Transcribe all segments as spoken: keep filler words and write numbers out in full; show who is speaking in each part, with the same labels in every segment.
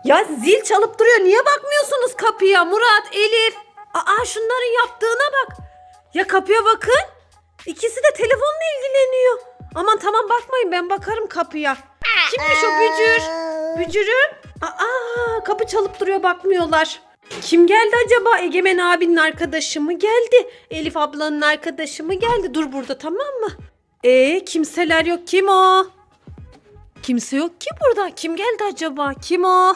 Speaker 1: Ya zil çalıp duruyor. Niye bakmıyorsunuz kapıya Murat, Elif? Aa şunların yaptığına bak. Ya kapıya bakın. İkisi de telefonla ilgileniyor. Aman tamam bakmayın, ben bakarım kapıya. Kimmiş o Bücür? Bücür'üm. Aa kapı çalıp duruyor, bakmıyorlar. Kim geldi acaba? Egemen abinin arkadaşı mı geldi? Elif ablanın arkadaşı mı geldi? Dur burada, tamam mı? Ee kimseler yok. Kim o? Kimse yok ki burada. Kim geldi acaba? Kim o?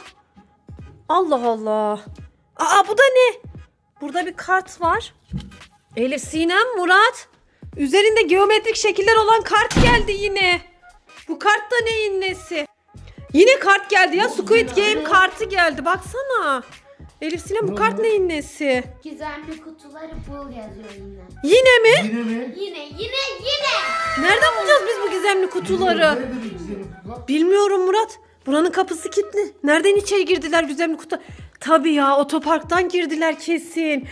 Speaker 1: Allah Allah. Aa bu da ne? Burada bir kart var. Elif, Sinem, Murat. Üzerinde geometrik şekiller olan kart geldi yine. Bu kart da neyin nesi? Yine kart geldi ya. Squid Game kartı geldi. Baksana. Elif, Sinem, bu kart neyin nesi?
Speaker 2: Gizemli kutuları bul yazıyor yine.
Speaker 1: Yine mi?
Speaker 3: Yine mi?
Speaker 2: Yine yine yine.
Speaker 1: Nereden bulacağız biz bu gizemli kutuları?
Speaker 3: Nerede bu gizemli kutular?
Speaker 1: Bilmiyorum Murat. Buranın kapısı kilitli. Nereden içeri girdiler gizemli kutu? Tabii ya, otoparktan girdiler kesin.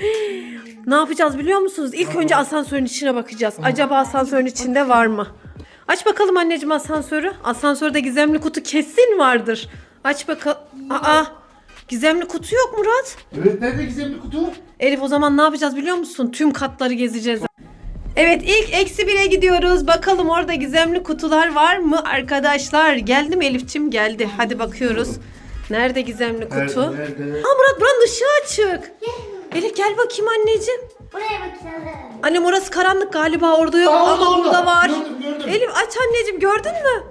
Speaker 1: Ne yapacağız biliyor musunuz? İlk önce asansörün içine bakacağız. Acaba asansörün içinde var mı? Aç bakalım anneciğim asansörü. Asansörde gizemli kutu kesin vardır. Aç bakalım. Aa, gizemli kutu yok Murat.
Speaker 3: Evet, nerede gizemli kutu?
Speaker 1: Elif, o zaman ne yapacağız biliyor musun? Tüm katları gezeceğiz. Evet, ilk eksi bire gidiyoruz. Bakalım orada gizemli kutular var mı arkadaşlar? Geldi mi Elif'ciğim? Geldi. Hadi bakıyoruz. Nerede gizemli kutu?
Speaker 3: Nerede, nerede?
Speaker 1: Aa Murat, buranın ışığı açık. Elif gel bakayım anneciğim.
Speaker 2: Buraya bakalım.
Speaker 1: Annem, orası karanlık galiba, orada yok
Speaker 3: Aa,
Speaker 1: ama
Speaker 3: orada,
Speaker 1: burada var.
Speaker 3: gördüm, gördüm.
Speaker 1: Elif aç anneciğim, gördün mü?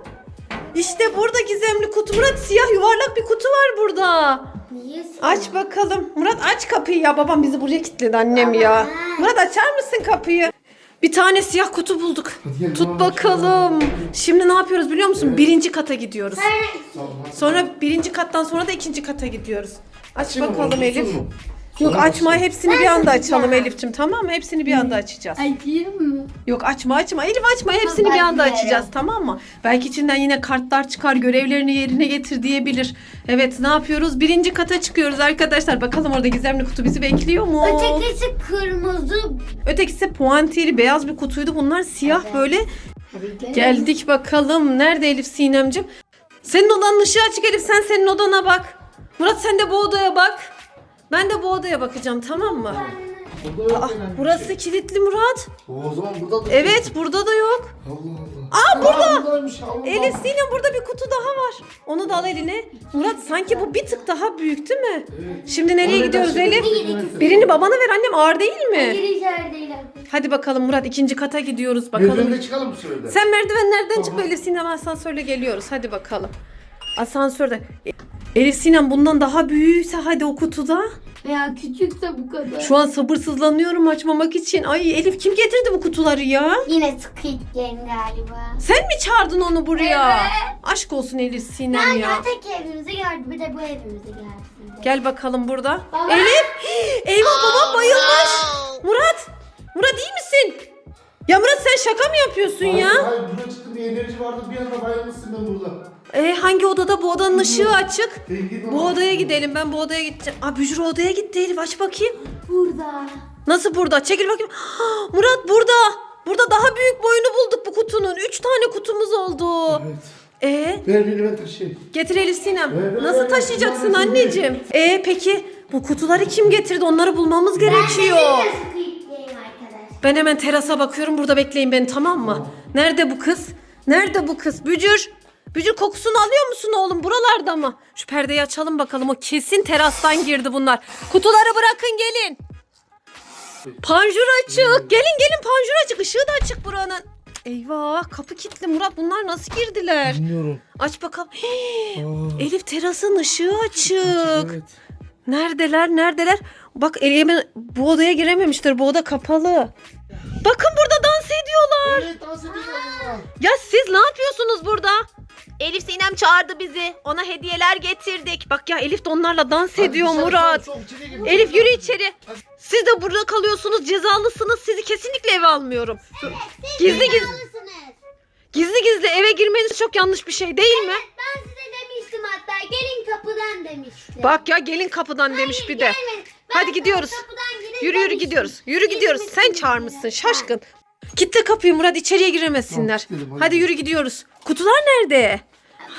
Speaker 1: İşte burada gizemli kutu. Murat, siyah yuvarlak bir kutu var burada.
Speaker 2: Niye
Speaker 1: Aç bakalım. Murat aç kapıyı ya. Babam bizi buraya kilitledi annem ya. Murat açar mısın kapıyı? Bir tane siyah kutu bulduk.
Speaker 3: Hadi gel,
Speaker 1: Tut
Speaker 3: tamam,
Speaker 1: bakalım. Şimdi ne yapıyoruz biliyor musun? Birinci kata gidiyoruz.
Speaker 3: Tamam, hadi.
Speaker 1: Sonra birinci kattan sonra da ikinci kata gidiyoruz. Aç
Speaker 3: Açayım mı
Speaker 1: bakalım
Speaker 3: bunu,
Speaker 1: Elif.
Speaker 3: tutsun mu?
Speaker 1: Yok
Speaker 3: Sonra
Speaker 1: açma,
Speaker 3: açayım.
Speaker 1: hepsini bir anda açalım Elif'ciğim, tamam mı? Hepsini bir anda açacağız.
Speaker 2: Açayım mı?
Speaker 1: Yok açma açma Elif, açma, hepsini bir
Speaker 2: ben
Speaker 1: anda
Speaker 2: biliyorum.
Speaker 1: açacağız, tamam mı? Belki içinden yine kartlar çıkar, görevlerini yerine getir diyebilir. Evet, ne yapıyoruz? Birinci kata çıkıyoruz arkadaşlar. Bakalım orada gizemli kutu bizi bekliyor mu?
Speaker 2: Ötekisi kırmızı.
Speaker 1: Ötekisi puantiyeli beyaz bir kutuydu. Bunlar siyah
Speaker 2: Evet.
Speaker 1: böyle.
Speaker 2: Hadi gel.
Speaker 1: Geldik bakalım. Nerede Elif, Sinemcim? Senin odanın ışığı açık Elif. Sen senin odana bak. Murat sen de bu odaya bak. Ben de bu odaya bakacağım, tamam mı?
Speaker 3: Burada yok
Speaker 1: Aa,
Speaker 3: herhangi bir
Speaker 1: burası
Speaker 3: şey.
Speaker 1: kilitli Murat.
Speaker 3: O zaman burada da.
Speaker 1: Evet, burada da yok.
Speaker 3: Allah Allah. Aa, burada. Buradaymış, Allah.
Speaker 1: Elif, Sinem, burada bir kutu daha var. Onu da al eline. Murat sanki bu bir tık daha büyük değil mi?
Speaker 3: Evet.
Speaker 1: Şimdi nereye
Speaker 3: Oraya
Speaker 1: gidiyoruz
Speaker 3: taşıyalım.
Speaker 1: Elif? Birini babana ver annem, ağır değil mi?
Speaker 2: Gir içerideyle.
Speaker 1: Hadi bakalım Murat, ikinci kata gidiyoruz bakalım.
Speaker 3: Merdivende çıkalım mı şöyle?
Speaker 1: Sen merdivenlerden çık,
Speaker 3: Tamam.
Speaker 1: Elif, Sinem asansörle geliyoruz. Hadi bakalım. Asansörde. Elif, Sinem bundan daha büyükse hadi o kutuda.
Speaker 2: Veya küçükse bu kadar.
Speaker 1: Şu an sabırsızlanıyorum açmamak için. Ay Elif, kim getirdi bu kutuları ya?
Speaker 2: Yine Squid Game galiba.
Speaker 1: Sen mi çağırdın onu buraya?
Speaker 2: Evet.
Speaker 1: Aşk olsun Elif, Sinem
Speaker 2: Ben
Speaker 1: ya.
Speaker 2: öteki evimize geldi, bir de bu evimize gelsin.
Speaker 1: Gel bakalım burada.
Speaker 2: Baba.
Speaker 1: Elif! Eyvah, babam bayılmış. Murat! Murat iyi misin? Ya Murat, sen şaka mı yapıyorsun
Speaker 3: Hayır,
Speaker 1: ya?
Speaker 3: hayır, buraya çıktım, bir enerji vardı, bir anda bayılmışsın ben burada.
Speaker 1: E, hangi odada? Bu odanın ışığı açık.
Speaker 3: Sen git
Speaker 1: Bu
Speaker 3: ona.
Speaker 1: odaya gidelim. Ben bu odaya gideceğim. Aa, Bücür odaya gitti Elif. Aç bakayım.
Speaker 2: Burada.
Speaker 1: Nasıl burada? Çekil bakayım. Ah, Murat burada. Burada daha büyük boyunu bulduk bu kutunun. Üç tane kutumuz oldu.
Speaker 3: Evet.
Speaker 1: E,
Speaker 3: Ver beni, ben taşıyayım.
Speaker 1: getir Elif, Sinem.
Speaker 3: Ver, ver,
Speaker 1: Nasıl
Speaker 3: ver.
Speaker 1: taşıyacaksın
Speaker 3: Ver, ver.
Speaker 1: anneciğim? E peki bu kutuları kim getirdi? Onları bulmamız gerekiyor.
Speaker 2: Yine Squid Game arkadaş.
Speaker 1: Ben hemen terasa bakıyorum. Burada bekleyin beni, tamam mı? Nerede bu kız? Nerede bu kız? Bücür. Bücür, kokusunu alıyor musun oğlum? Buralarda mı? Şu perdeyi açalım bakalım. O kesin terastan girdi bunlar. Kutuları bırakın, gelin. Panjur açık. Gelin gelin, panjur açık. Işığı da açık buranın. Eyvah, kapı kilitli Murat. Bunlar nasıl girdiler?
Speaker 3: Bilmiyorum.
Speaker 1: Aç bakalım. Hii,
Speaker 3: Aa,
Speaker 1: Elif, terasın ışığı açık.
Speaker 3: evet.
Speaker 1: Neredeler? Neredeler? Bak Elif'e bu odaya girememişler. Bu oda kapalı. Bakın burada dans ediyorlar.
Speaker 3: Evet, dans ediyorlar.
Speaker 1: Ya siz ne yapıyorsunuz burada? Elif, Sinem çağırdı bizi. Ona hediyeler getirdik. Bak ya, Elif de onlarla dans
Speaker 3: Hadi
Speaker 1: ediyor
Speaker 3: dışarı,
Speaker 1: Murat.
Speaker 3: soğuk, soğuk, içeri gir.
Speaker 1: Elif yürü içeri. Siz de burada kalıyorsunuz, cezalısınız. Sizi kesinlikle eve almıyorum. Gizli gizli
Speaker 2: Alıyorsunuz.
Speaker 1: gizli gizli eve girmeniz çok yanlış bir şey değil mi?
Speaker 2: Ben size demiştim hatta, gelin kapıdan demiştim.
Speaker 1: Bak ya, gelin kapıdan demiş bir de.
Speaker 2: gelmeyin. Ben
Speaker 1: Hadi
Speaker 2: sana
Speaker 1: gidiyoruz.
Speaker 2: kapıdan girin
Speaker 1: Yürü yürü
Speaker 2: demiştim.
Speaker 1: gidiyoruz. Yürü gidiyoruz. Sen
Speaker 2: Gitmesiniz
Speaker 1: çağırmışsın
Speaker 2: bile.
Speaker 1: şaşkın. Kitle kapıyı Murat, içeriye giremesinler.
Speaker 3: Tamam, gidelim, hadi.
Speaker 1: Hadi yürü gidiyoruz. Kutular nerede?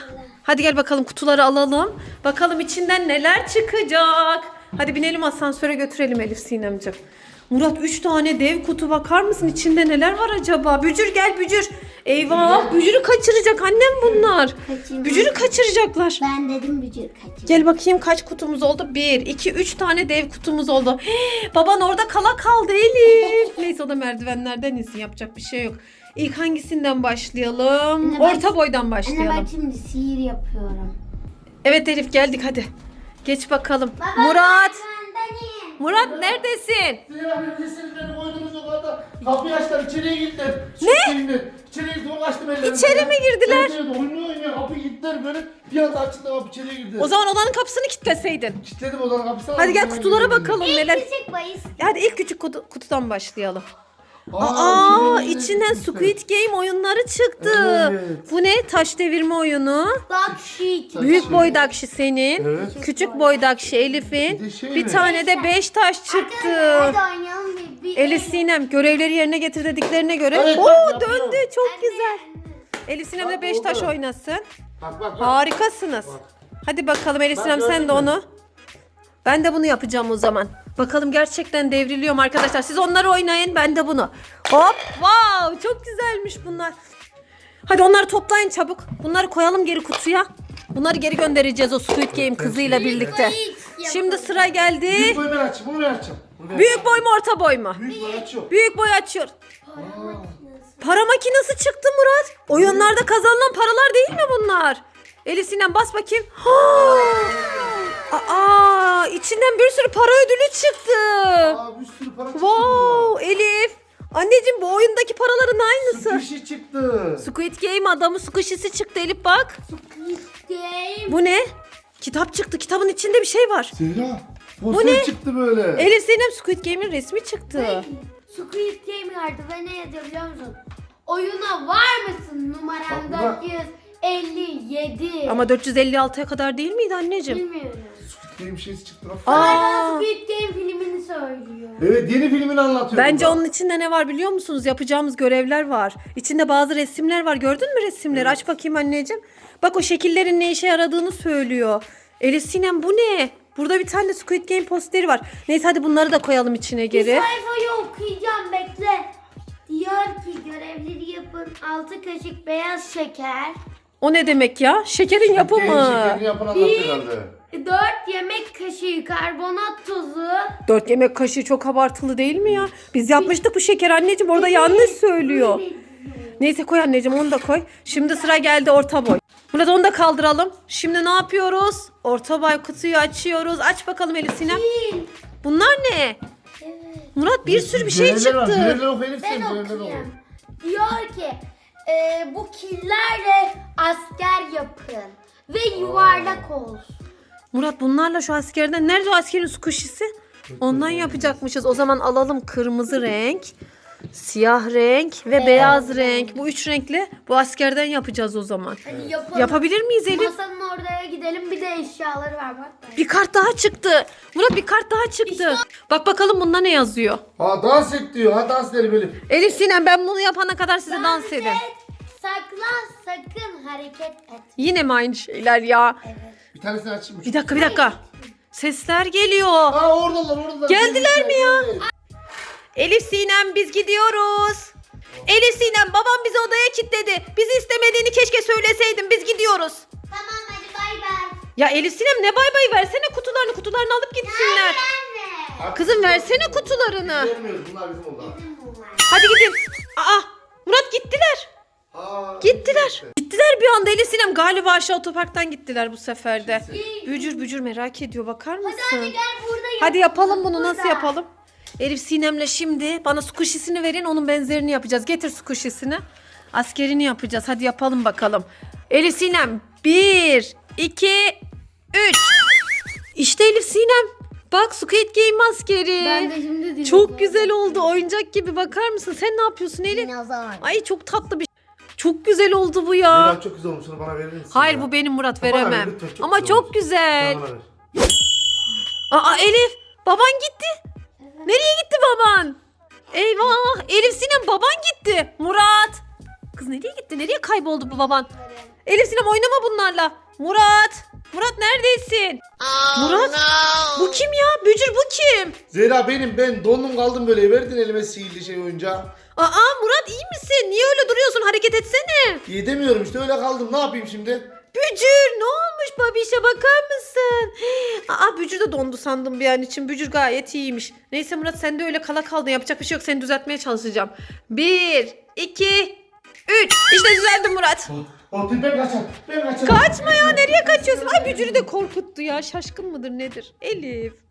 Speaker 1: Hadi gel bakalım kutuları alalım. Bakalım içinden neler çıkacak. Hadi binelim asansöre götürelim Elif Sinemciğim. Murat üç tane dev kutu, bakar mısın içinde neler var acaba? Bücür gel Bücür. Eyvah, Bücür'ü kaçıracak annem bunlar.
Speaker 2: Kaçırmaz.
Speaker 1: Bücür'ü kaçıracaklar.
Speaker 2: Ben dedim bücür kaçır.
Speaker 1: Gel bakayım kaç kutumuz oldu? Bir, iki, üç tane dev kutumuz oldu. Hii, baban orada kala kaldı Elif. Neyse o da merdivenlerden insin, yapacak bir şey yok. İlk hangisinden başlayalım?
Speaker 2: Anne, ben-
Speaker 1: Orta boydan
Speaker 2: Anne
Speaker 1: başlayalım.
Speaker 2: bak şimdi sihir yapıyorum.
Speaker 1: Evet Elif geldik hadi. Geç bakalım.
Speaker 2: Baba,
Speaker 1: Murat.
Speaker 2: merdivenden in.
Speaker 1: Murat neredesin?
Speaker 3: Zeynep abi nesiniz beni koydunuz o kadar. Kapıyı açtılar, içeriye gittiler. Ne? İçeriye gittim, onu açtım ellerimi.
Speaker 1: İçeri mi girdiler?
Speaker 3: Evet, evet, oynuyor oynuyor. Kapıyı gittiler böyle. Bir anda açıldı, kapı içeriye girdiler.
Speaker 1: O zaman odanın kapısını kilitleseydin.
Speaker 3: Kilitledim odanın kapısını.
Speaker 1: Hadi gel
Speaker 3: aldım,
Speaker 1: kutulara
Speaker 3: girdim.
Speaker 1: bakalım
Speaker 2: İlk
Speaker 1: neler.
Speaker 2: küçük bahis.
Speaker 1: Hadi ilk küçük kutu- kutudan başlayalım.
Speaker 3: Aa,
Speaker 1: Aa,
Speaker 3: içeriye
Speaker 1: içinden
Speaker 3: girdiler.
Speaker 1: Squid Game oyunları çıktı.
Speaker 3: Evet.
Speaker 1: Bu ne? Taş devirme oyunu.
Speaker 2: Bak şu iki.
Speaker 1: Büyük
Speaker 3: Şey.
Speaker 1: boy dakşı senin.
Speaker 3: Evet.
Speaker 1: Küçük boy dakşı Elif'in.
Speaker 3: Bir de şey
Speaker 1: Bir
Speaker 3: mi?
Speaker 1: tane de beş taş
Speaker 2: Hadi
Speaker 1: çıktı.
Speaker 2: oynayalım bir. bir
Speaker 1: Elif Sinem görevleri yerine getir dediklerine göre.
Speaker 3: Evet,
Speaker 1: Oo
Speaker 3: bak, yapıyor.
Speaker 1: döndü, çok
Speaker 2: Anne,
Speaker 1: güzel.
Speaker 2: anne.
Speaker 1: Elif Sinem de
Speaker 3: Bak,
Speaker 1: beş taş
Speaker 3: oldu.
Speaker 1: oynasın.
Speaker 3: Bak bak bak.
Speaker 1: Harikasınız.
Speaker 3: Bak.
Speaker 1: Hadi bakalım Elif
Speaker 3: Bak,
Speaker 1: Sinem sen
Speaker 3: gördün
Speaker 1: de
Speaker 3: mü?
Speaker 1: onu. Ben de bunu yapacağım o zaman. Bakalım gerçekten devriliyorum arkadaşlar. Siz onları oynayın, ben de bunu. Hop, wow, çok güzelmiş bunlar. Hadi onları toplayın çabuk. Bunları koyalım geri kutuya. Bunları geri göndereceğiz o Squid Game kızıyla birlikte.
Speaker 2: Bahis
Speaker 1: Şimdi
Speaker 2: yapalım.
Speaker 1: sıra geldi.
Speaker 3: Büyük boy ben açayım, bunu ben açacağım. Bunu ben
Speaker 1: Büyük boy mu orta boy mu?
Speaker 3: Büyük boy açıyor.
Speaker 1: Büyük boy açıyor.
Speaker 2: Para makinesi.
Speaker 1: Para makinesi çıktı Murat. Oyunlarda kazanılan paralar değil mi bunlar? Elif Sinem bas bakayım. Aa, içinden bir sürü para ödülü çıktı.
Speaker 3: Aa, bir sürü para çıktı.
Speaker 1: Wow, Elif. Anneciğim bu oyundaki paraların aynısı.
Speaker 3: Bir şey çıktı.
Speaker 1: Squid Game adamı squishy'si çıktı Elif bak.
Speaker 2: Squid Game.
Speaker 1: Bu ne? Kitap çıktı. Kitabın içinde bir şey var.
Speaker 3: Zehra.
Speaker 1: Bu
Speaker 3: Poster
Speaker 1: ne?
Speaker 3: çıktı böyle.
Speaker 1: Elif Sinem Squid Game'in resmi çıktı.
Speaker 2: Squid Game vardı ve ne yazıyor biliyor musun? Oyuna var mısın? Numaram
Speaker 3: Bak, bak.
Speaker 2: dört yüz elli yedi.
Speaker 1: Ama dört yüz elli altıya kadar değil miydi anneciğim?
Speaker 2: Bilmiyorum.
Speaker 3: Benim şeysi çıktı.
Speaker 1: Aa.
Speaker 2: Aa. Squid Game filmini söylüyor.
Speaker 3: Evet, yeni filmini anlatıyor.
Speaker 1: Bence
Speaker 3: burada.
Speaker 1: onun içinde ne var biliyor musunuz? Yapacağımız görevler var. İçinde bazı resimler var. Gördün mü resimleri? Aç bakayım anneciğim. Bak o şekillerin ne işe yaradığını söylüyor. Elif Sinem bu ne? Burada bir tane de Squid Game posteri var. Neyse hadi bunları da koyalım içine
Speaker 2: Bir
Speaker 1: geri.
Speaker 2: sayfayı okuyacağım bekle. Diyor ki görevleri yapın. altı kaşık beyaz şeker.
Speaker 1: O ne demek ya? Şekerin
Speaker 3: Genç
Speaker 1: yapımı.
Speaker 3: şekerini yapan anlatıyor herhalde.
Speaker 2: dört yemek kaşığı karbonat tozu.
Speaker 1: Dört yemek kaşığı çok abartılı değil mi ya? Biz yapmıştık bu şeker anneciğim. Orada yanlış söylüyor. Neyse koy anneciğim onu da koy. Şimdi sıra geldi orta boy. Murat onu da kaldıralım. Şimdi ne yapıyoruz? Orta boy kutuyu açıyoruz. Aç bakalım Elif Sinem.
Speaker 2: Değil.
Speaker 1: Bunlar ne?
Speaker 2: Evet.
Speaker 1: Murat bir sürü bir şey
Speaker 3: Görevler var,
Speaker 1: çıktı.
Speaker 3: Görevler oku Elif
Speaker 2: Ben
Speaker 3: sen, görevler oku.
Speaker 2: okuyayım. Diyor ki e, bu killerle asker yapın. Ve yuvarlak olsun.
Speaker 1: Murat bunlarla şu askerden nerede o askerin squishy'si? Ondan yapacakmışız. O zaman alalım kırmızı renk, siyah renk ve beyaz renk. Bu üç renkle bu askerden yapacağız o zaman.
Speaker 2: Hadi yapalım.
Speaker 1: Yapabilir miyiz Elif?
Speaker 2: Masanın oraya gidelim. Bir de eşyaları var bak.
Speaker 1: Bir kart daha çıktı. Murat bir kart daha çıktı. Bak bakalım bunda ne yazıyor.
Speaker 3: Ha dans et diyor. Ha dans edelim Elif.
Speaker 1: Elif Sinem ben bunu yapana kadar size dans edin.
Speaker 2: et, saklan, sakın hareket et.
Speaker 1: Yine mi aynı şeyler ya?
Speaker 2: Evet.
Speaker 3: Bir tanesini açayım.
Speaker 1: Bir dakika bir dakika. Sesler geliyor.
Speaker 3: Aa oradalar oradalar.
Speaker 1: Geldiler mi ya?
Speaker 3: Evet.
Speaker 1: Elif Sinem biz gidiyoruz. Elif Sinem babam bizi odaya kilitledi. Bizi istemediğini keşke söyleseydin, biz gidiyoruz.
Speaker 2: Tamam hadi bay bay.
Speaker 1: Ya Elif Sinem ne bay bay, versene kutularını kutularını alıp gitsinler.
Speaker 2: Anne.
Speaker 1: Kızım versene kutularını.
Speaker 3: Vermiyoruz, bunlar bizim oldu.
Speaker 1: Hadi gidin. Aa Murat gittiler.
Speaker 3: Aa,
Speaker 1: Gittiler. Gittiler bir anda Elif Sinem, galiba aşağı otoparktan gittiler bu sefer de. Bücür bücür merak ediyor, bakar mısın?
Speaker 2: Hadi hadi gel burada yap.
Speaker 1: Hadi yapalım bunu, nasıl
Speaker 2: Burada.
Speaker 1: yapalım? Elif Sinem'le şimdi bana squishy'sini verin, onun benzerini yapacağız. Getir squishy'sini. Askerini yapacağız. Hadi yapalım bakalım. Elif Sinem bir, iki, üç. İşte Elif Sinem. Bak Squid Game askeri.
Speaker 2: Ben de şimdi dinledim.
Speaker 1: Çok güzel oldu. Oyuncak gibi, bakar mısın? Sen ne yapıyorsun Elif?
Speaker 2: Dinozor.
Speaker 1: Ay çok tatlı bir Çok güzel oldu bu ya.
Speaker 3: Meral çok güzel olmuş. Onu bana verir misin?
Speaker 1: Hayır
Speaker 3: ya?
Speaker 1: bu benim Murat,
Speaker 3: Bana ver,
Speaker 1: veremem.
Speaker 3: lütfen, çok
Speaker 1: Ama
Speaker 3: güzel
Speaker 1: çok
Speaker 3: olmuş.
Speaker 1: güzel.
Speaker 3: Bana ver.
Speaker 1: Aa Elif, baban gitti. Nereye gitti baban? Eyvah, Elif Sinem baban gitti. Murat. Kız nereye gitti? Nereye kayboldu bu baban? Elif Sinem oynama bunlarla. Murat! Murat neredesin? Murat! Bu kim ya? Bücür bu kim?
Speaker 3: Zehra benim, ben dondum kaldım böyle, verdin elime sihirli şey oyuncağı.
Speaker 1: Aa Murat iyi misin? Niye öyle duruyorsun? Hareket etsene.
Speaker 3: İyi demiyorum işte, öyle kaldım, ne yapayım şimdi?
Speaker 1: Bücür ne olmuş babişe bakar mısın? Aa Bücür de dondu sandım bir an için. Bücür gayet iyiymiş. Neyse Murat sen de öyle kala kaldın. Yapacak bir şey yok. Seni düzeltmeye çalışacağım. Bir, iki, üç. İşte düzeldim Murat.
Speaker 3: O ben kaçar, ben kaçar.
Speaker 1: Kaçma ya nereye kaçıyorsun? Ay Bücür'ü de korkuttu ya. Şaşkın mıdır nedir? Elif.